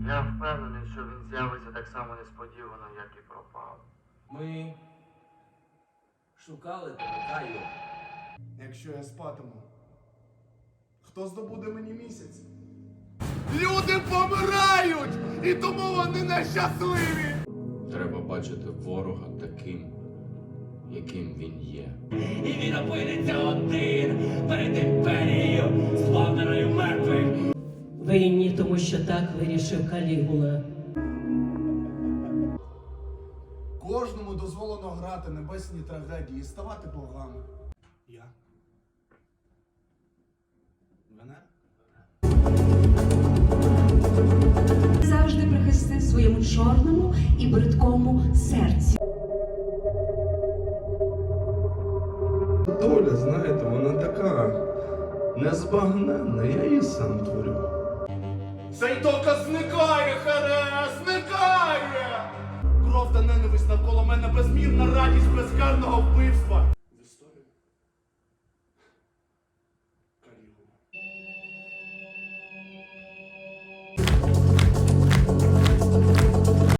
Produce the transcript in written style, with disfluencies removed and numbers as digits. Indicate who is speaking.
Speaker 1: Я впевнений, що він з'явиться так само несподівано, як і пропав.
Speaker 2: Ми шукали тебе, Каю.
Speaker 3: Якщо я спатиму, хто здобуде мені місяць? Люди помирають! І тому вони нещасливі!
Speaker 2: Треба бачити ворога таким, яким він є.
Speaker 4: І він опиниться один перед імперією, сповненою мертвих.
Speaker 5: Винні, тому що так вирішив Калігула.
Speaker 3: Кожному дозволено грати небесні трагедії і ставати богами. Я? Венера?
Speaker 6: Завжди прихисти своєму чорному і бридкому серці.
Speaker 7: Доля, знаєте, вона така незбагненна, я її сам творю.
Speaker 3: Цей доказ зникає, Харе, зникає! Кров та ненависть навколо мене, безмірна радість безкарного вбивства.